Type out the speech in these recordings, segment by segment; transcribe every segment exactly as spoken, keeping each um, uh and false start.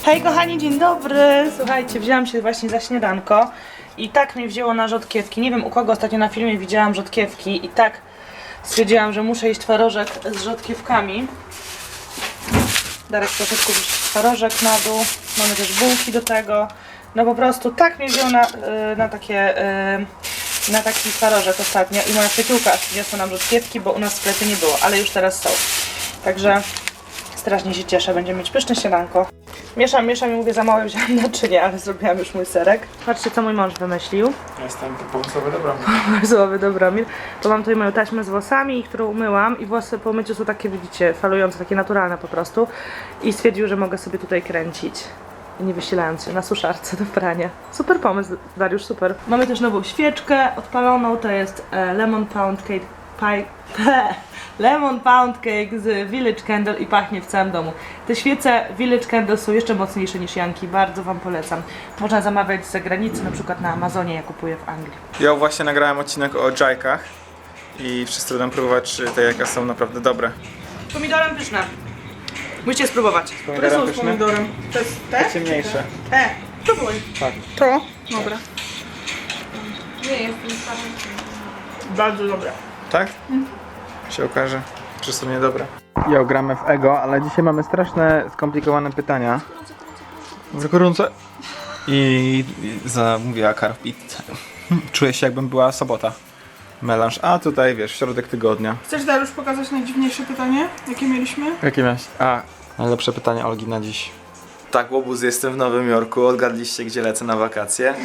Hej kochani, dzień dobry! Słuchajcie, wzięłam się właśnie za śniadanko i tak mnie wzięło na rzodkiewki. Nie wiem u kogo ostatnio na filmie widziałam rzodkiewki i tak stwierdziłam, że muszę jeść twarożek z rzodkiewkami. Darek troszeczkę już twarożek na dół, mamy też bułki do tego. No po prostu tak mnie wzięło na, na takie, na taki twarożek ostatnio i moja przyjaciółka aż przyniosła nam rzodkiewki, bo u nas w sklepie nie było, ale już teraz są. Także strasznie się cieszę, będziemy mieć pyszne śniadanko. Mieszam, mieszam i mówię, za małe wziąłam naczynie, ale zrobiłam już mój serek. Patrzcie, co mój mąż wymyślił. Ja jestem pomysłowy Dobromir. Pomysłowy Dobromir. To mam tutaj moją taśmę z włosami, którą umyłam i włosy po myciu są takie, widzicie, falujące, takie naturalne po prostu. I stwierdził, że mogę sobie tutaj kręcić, nie wysilając się na suszarce do prania. Super pomysł, Dariusz, super. Mamy też nową świeczkę odpaloną, to jest e, Lemon Pound Cake Pie. Lemon Pound Cake z Village Candle i pachnie w całym domu. Te świece Village Candle są jeszcze mocniejsze niż Janki, bardzo wam polecam. Można zamawiać z zagranicy, na przykład na Amazonie, ja kupuję w Anglii. Ja właśnie nagrałem odcinek o jajkach i wszyscy będą próbować, czy te jajka są naprawdę dobre. Z pomidorem pyszne. Musicie spróbować. Pomidorem Które są z pyszne? pomidorem? To jest te? Ciemniejsze. Te. Próbuj. Tak. To? Dobra. Nie, jest Bardzo dobre. Tak? Się okaże, czy są niedobre. Ja gramy w Ego, ale dzisiaj mamy straszne, skomplikowane pytania. W gorąco. I zamówiła carb pizzę. Czuję się, jakbym była sobota. Melanż, a tutaj wiesz, środek tygodnia. Chcesz, Dariusz, pokazać najdziwniejsze pytanie, jakie mieliśmy? Jakie miałeś? A, najlepsze pytanie Olgi na dziś. Tak, łobuz, jestem w Nowym Jorku. Odgadliście, gdzie lecę na wakacje?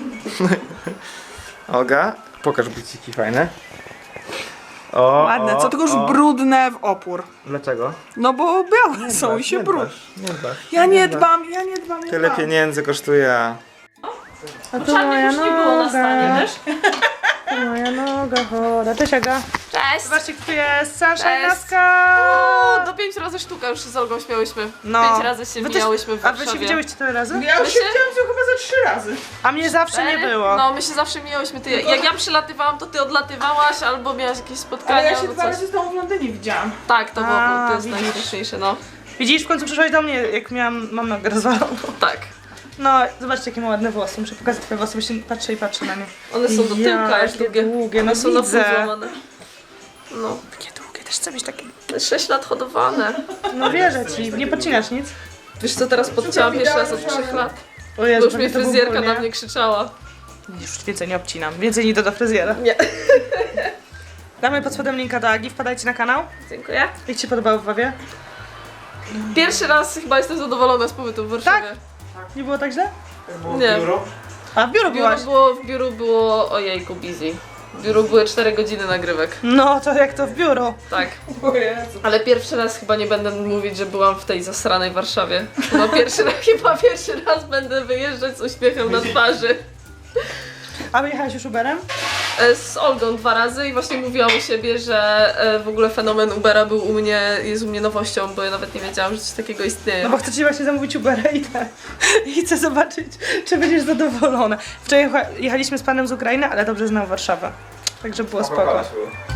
Olga, pokaż buciki fajne. O, Ładne, o, co tylko już o. brudne w opór. Dlaczego? No bo białe są dbasz, i się nie brud. dbasz, nie dbasz. Ja nie dbam, ja nie dbam, nie Tyle dbam. pieniędzy kosztuje. A tu Czarnych moja już nie było na stanie, noga. wiesz? To moja noga chora. Cześć Aga. Cześć! Zobaczcie, kto jest Sunshine Cześć. Laska. O, do pięć razy sztuka już się z Olgą śmiałyśmy. No. Pięć razy się Wy też- mijałyśmy w A wy Warszawie. się widziałyście tyle razy? Ja już My się się- widziałam z nią chyba za trzy razy. A mnie zawsze nie Cztery? było. No, my się zawsze mijałyśmy. Ty, jak ja przylatywałam, to ty odlatywałaś, albo miałaś jakieś Ale spotkania, ja się albo dwa coś. razy z tą w Londynie widziałam. Tak, to było, A, to jest widzisz. najśmieszniejsze, no. Widzisz, w końcu przyszłaś do mnie, jak miałam, mam nogę rozwaloną. Tak. No, zobaczcie, jakie ma ładne włosy. Muszę pokazać twoje włosy, bo się patrzę i patrzę na nie. One są do tyłka, Ja, aż jakie długie. długie, no One są na pół widzę. złamane. No. Takie długie, też chcę mieć takie. sześć lat hodowane. No wierzę ci, nie podcinasz nic. Wiesz co, teraz podcięłam pierwszy raz od trzech lat. O Bo Jezu, już mnie pewnie to był fryzjerka ból, na nie? mnie krzyczała. Już więcej nie obcinam, więcej nie do, do fryzjera. Nie. Damy pod spodem linka do Agi, wpadajcie na kanał. Dziękuję. Jak ci się podobało w Wawie? Pierwszy raz chyba jestem zadowolona z pobytu w Warszawie. Nie było tak źle? Nie. A w biuro W biuru byłaś? było, w biuru było, ojejku, busy. W biuru były cztery godziny nagrywek. No, to jak to w biuro? Tak. O Jezu. Ale pierwszy raz chyba nie będę mówić, że byłam w tej zasranej Warszawie. Chyba pierwszy raz, chyba pierwszy raz będę wyjeżdżać z uśmiechem na twarzy. A wyjechałaś już Uberem? E, Z Olgą dwa razy i właśnie mówiłam u siebie, że e, w ogóle fenomen Ubera był u mnie, jest u mnie nowością, bo ja nawet nie wiedziałam, że coś takiego istnieje. No bo chcę ci właśnie zamówić Ubera i tak. I chcę zobaczyć, czy będziesz zadowolona. Wczoraj jecha- jechaliśmy z panem z Ukrainy, ale dobrze znał Warszawę. Także było spoko.